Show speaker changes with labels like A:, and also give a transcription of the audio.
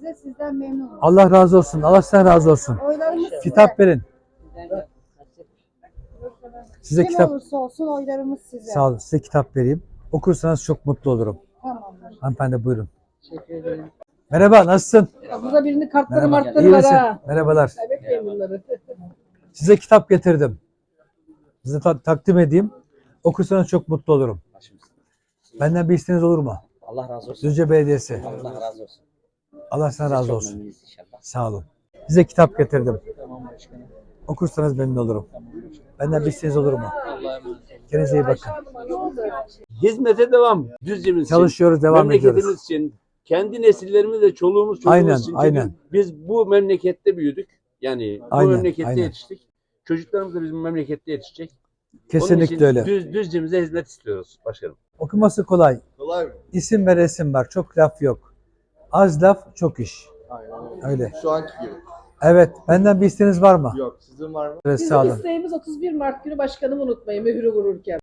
A: size. Sizden memnunum.
B: Allah razı olsun. Allah sizden razı olsun.
A: Oylarımız size.
B: Kitap verin. Size
A: Kim
B: kitap,
A: olursa olsun oylarımız size.
B: sağ olun. Size kitap vereyim. Okursanız çok mutlu olurum.
A: Tamamdır.
B: Hanımefendi buyurun.
C: Teşekkür ederim.
B: Merhaba, nasılsın?
C: Burada birinin kartları martları
B: İyi
C: var
B: misin?
C: ha.
B: Merhabalar.
C: Bekleyin bunları.
B: Size kitap getirdim. Size takdim edeyim. Okursanız çok mutlu olurum. Benden bir isteğiniz olur mu?
D: Allah razı olsun.
B: Düzce Belediyesi.
D: Allah razı olsun.
B: Allah sana razı
D: Çok
B: olsun.
D: memnunuz inşallah.
B: Sağ olun. Size kitap getirdim.
C: Tamam başkanım.
B: Okursanız memnun olurum.
C: Tamam başkanım.
B: Benden bir isteğiniz olur mu?
C: Allah'a emanet olun.
B: Kendinize iyi bakın.
E: Hizmete devam. Düzce'miz için,
B: Çalışıyoruz, devam
E: memleketimiz
B: ediyoruz.
E: için, kendi nesillerimiz ve çoluğumuz çocuğumuz
B: Aynen,
E: için. Çünkü
B: aynen.
E: biz bu memlekette büyüdük. Yani bu
B: Aynen,
E: memlekette
B: aynen.
E: yetiştik. Çocuklarımız da bizim memlekette yetişecek. Onun
B: Kesinlikle
E: için
B: öyle.
E: Düzce'mize hizmet istiyoruz başkanım.
B: Okuması kolay.
F: Kolay mı?
B: İsim ve resim var. Çok laf yok. Az laf, çok iş.
F: Aynen
B: Öyle.
F: Şu anki gibi.
B: Evet. Benden bir isteğiniz var mı?
F: Yok. Sizin var mı?
B: Evet,
C: Bizim
B: sağ olun.
C: isteğimiz 31 Mart günü başkanımı unutmayın mührü vururken.